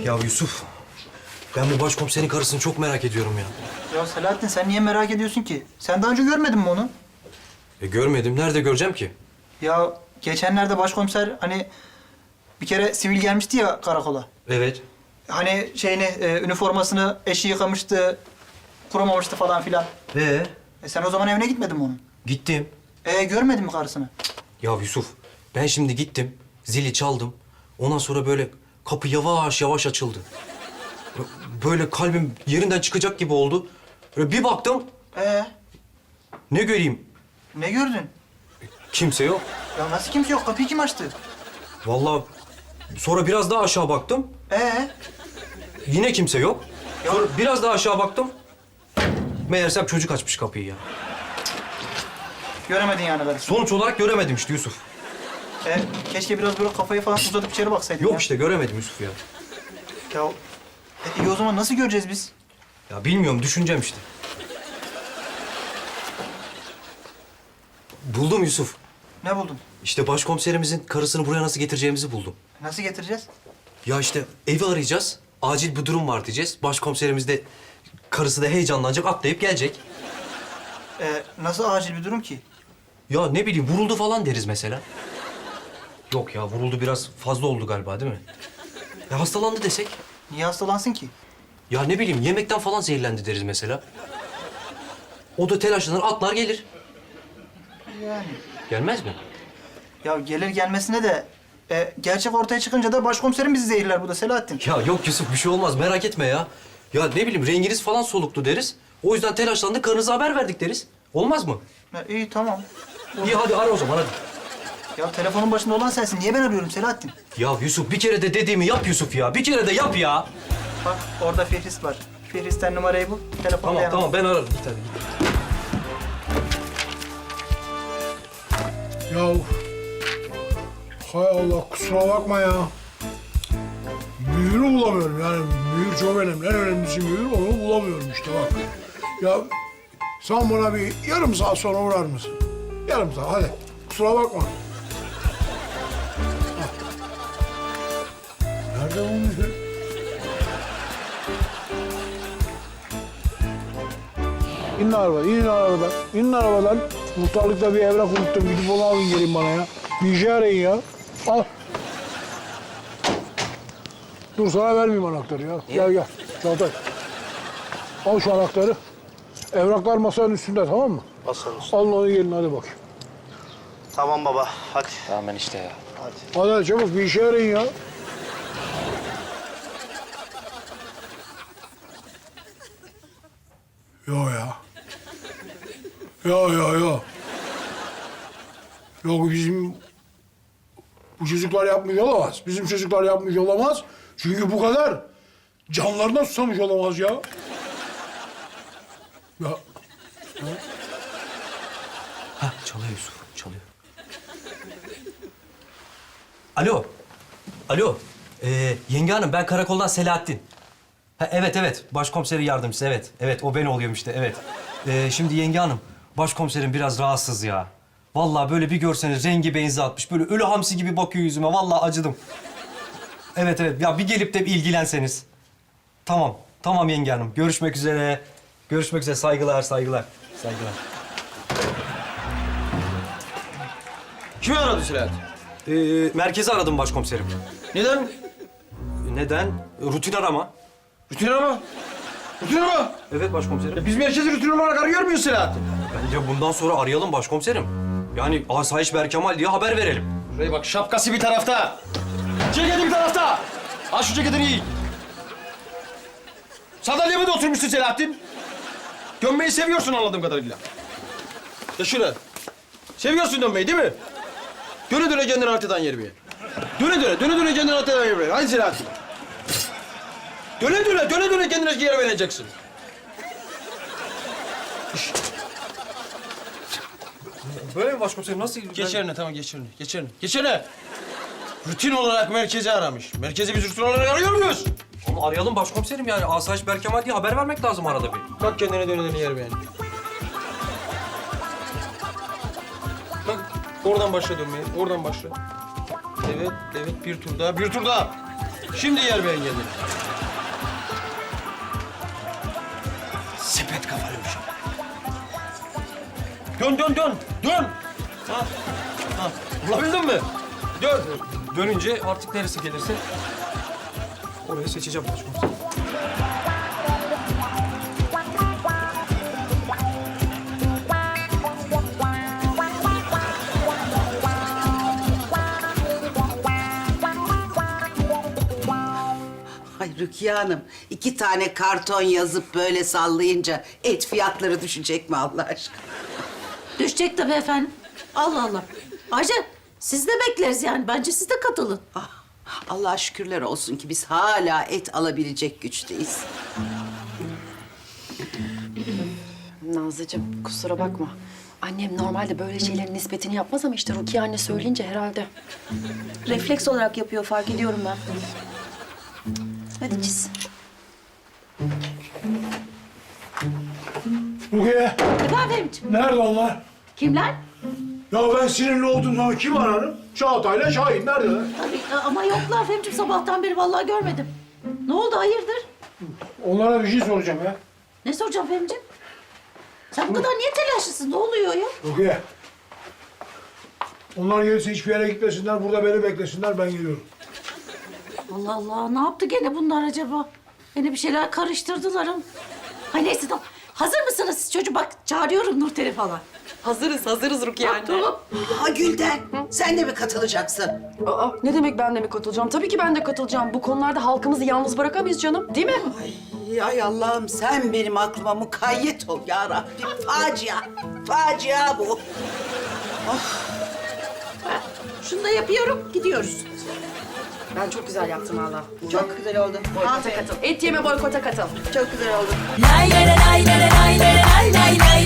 Ya Yusuf, ben bu başkomiserin karısını çok merak ediyorum ya. Ya Selahattin sen niye merak ediyorsun ki? Sen daha önce görmedin mi onu? Görmedim. Nerede göreceğim ki? Ya geçenlerde başkomiser hani bir kere sivil gelmişti ya karakola. Evet. Hani üniformasını eşi yıkamıştı, kurumamıştı falan filan. Sen o zaman evine gitmedin mi onun? Gittim. Görmedin mi karısını? Ya Yusuf, ben şimdi gittim, zili çaldım. Ondan sonra böyle kapı yavaş yavaş açıldı. Böyle kalbim yerinden çıkacak gibi oldu. Böyle bir baktım, ne göreyim? Ne gördün? Kimse yok. Ya nasıl kimse yok? Kapıyı kim açtı? Vallahi sonra biraz daha aşağı baktım. Yine kimse yok. Sonra biraz daha aşağı baktım. Meğersem çocuk açmış kapıyı ya. Göremedin yani karısını. Sonuç olarak göremedim işte Yusuf. Keşke biraz böyle kafayı falan uzatıp içeri baksaydın ya. Yok işte göremedim Yusuf ya. Ya iyi o zaman nasıl göreceğiz biz? Ya bilmiyorum, düşüneceğim işte. Buldum Yusuf. Ne buldun? İşte başkomiserimizin karısını buraya nasıl getireceğimizi buldum. Nasıl getireceğiz? Ya işte evi arayacağız. Acil bir durum var diyeceğiz. Başkomiserimiz de karısı da heyecanlanacak, atlayıp gelecek. Nasıl acil bir durum ki? Ya ne bileyim, vuruldu falan deriz mesela. Yok ya, vuruldu biraz fazla oldu galiba değil mi? Ya hastalandı desek? Niye hastalansın ki? Ya ne bileyim, yemekten falan zehirlendi deriz mesela. O da telaşlanır, atlar gelir. Yani. Gelmez mi? Ya gelir gelmesine de gerçek ortaya çıkınca da başkomiserim bizi zehirler bu da Selahattin. Ya yok Yusuf, bir şey olmaz, merak etme ya. Ya ne bileyim, renginiz falan soluktu deriz. O yüzden telaşlandık, karınıza haber verdik deriz. Olmaz mı? İyi tamam. İyi hadi ara o zaman hadi. Ya telefonun başında olan sensin. Niye ben arıyorum Selahattin? Ya Yusuf, bir kere de dediğimi yap Yusuf ya. Bir kere de yap ya. Bak orada Fihris var. Fihris'ten numarayı bul. Telefonu Tamam ben ararım. Bir tane. Ya hay Allah kusura bakma ya. Mühürü bulamıyorum yani mühür çok önemli. En önemlisi mühür, onu bulamıyorum işte bak. Ya sen bana bir yarım saat sonra uğrar mısın? Yarım saat hadi kusura bakma. Hah. Nerede bu mühür? İnin arabadan, inin arabadan, inin arabadan. Muhtarlıkta bir evrak unuttum. Gidip onu alın gelin bana ya. Bir işe arayın ya. Al. Dur sana vermeyeyim anahtarı ya. Gel gel. Çağatay. Al şu anahtarı. Evraklar masanın üstünde tamam mı? Basarız. Alın onu gelin hadi bakayım. Tamam baba, hadi. Tamam ben işte ya. Hadi çabuk bir işe arayın ya. Yo ya. Yo. Yok bizim... Bu çocuklar yapmış olamaz. Bizim çocuklar yapmış olamaz. Çünkü bu kadar canlarına susamış olamaz ya. Ya Hah, çalıyor Yusuf, çalıyor. Alo. Alo. Yenge hanım, ben karakoldan Selahattin. Ha, evet, başkomiserin yardımcısı, evet. Evet, o ben oluyorum işte, evet. Şimdi yenge hanım, başkomiserim biraz rahatsız ya. Vallahi böyle bir görseniz rengi benzi atmış. Böyle ölü hamsi gibi bakıyor yüzüme. Vallahi acıdım. Evet. Ya bir gelip de bir ilgilenseniz. Tamam yenge hanım. Görüşmek üzere. Görüşmek üzere. Saygılar. Kimi aradı Selahattin? Merkezi aradım başkomiserim. Neden? Neden? Rutin arama. Rutin arama. Rutin arama. Evet başkomiserim. Biz merkezi rutin olarak arıyor muyuz Selahattin? Bence bundan sonra arayalım başkomiserim. Yani Asayiş Berkemal diye haber verelim. Şuraya bak, şapkası bir tarafta. Ceketi bir tarafta. Al şu ceketini giy. Sandalyeme de oturmuşsun Selahattin. Dönmeyi seviyorsun anladığım kadarıyla. Ya şöyle. Seviyorsun dönmeyi değil mi? Döne kendini haritadan yer bir yer. Döne kendini haritadan yer bir yer. Hadi Selahattin. Döne kendine yer vereceksin. Böyle mi başkomiserim? Nasıl? Geç yerine, tamam geç yerine. Rutin olarak merkezi aramış. Merkezi biz rutin olarak arıyor muyuz? Onu arayalım başkomiserim yani. Asayiş Berkemal diye haber vermek lazım arada bir. Bak kendine döne yer beğen. Bak oradan başla dönmeye, oradan başla. Evet, bir tur daha. Şimdi yer ben kendini. Sepet kafalıymış. Dön, dön, dön, dön. Ha, ha. Bulabildin mi? Dön. Dönünce artık neresi gelirse orayı seçeceğim başkomiserim. Ay Rukiye Hanım, 2 tane karton yazıp böyle sallayınca et fiyatları düşecek mi Allah aşkına? Düşecek tabii efendim. Allah Allah. Ayrıca siz de bekleriz yani. Bence siz de katılın. Ah, Allah'a şükürler olsun ki biz hala et alabilecek güçteyiz. Nazlıcığım kusura bakma. Annem normalde böyle şeylerin nispetini yapmaz ama işte Rukiye anne söyleyince herhalde. Refleks olarak yapıyor fark ediyorum ben. Hadi çiz. Rukiye, Efendim, nerede onlar? kimler? Ya ben sinirli olduğum zaman kim ararım? Çağatay'la Şahin neredeler? Tabii, ama yoklar Fehmiciğim. Sabahtan beri vallahi görmedim. Ne oldu, hayırdır? Onlara bir şey soracağım ya. Ne soracağım Fehmiciğim? Sen bu kadar niye telaşlısın? Ne oluyor ya? Rukiye. Onlar gelirse hiçbir yere gitmesinler, burada beni beklesinler, ben geliyorum. Allah Allah, ne yaptı gene bunlar acaba? Gene bir şeyler karıştırdılar. Ay neyse tamam. Hazır mısınız siz çocuğum? Bak çağırıyorum Nurten'i falan. Hazırız Rukiye anne. Tamam. Ha Gülden, sen de mi katılacaksın? Aa, ne demek ben de mi katılacağım? Tabii ki ben de katılacağım. Bu konularda halkımızı yalnız bırakamayız canım, değil mi? Ay Allah'ım sen benim aklıma mukayyet ol ya Rabbim. Facia bu. Şunu da yapıyorum, gidiyoruz. Ben çok güzel yaptım valla. Çok güzel oldu. Boykota katıl. Et yeme boykota katıl. Çok güzel oldu. Lay lay lay lay lay lay lay lay lay.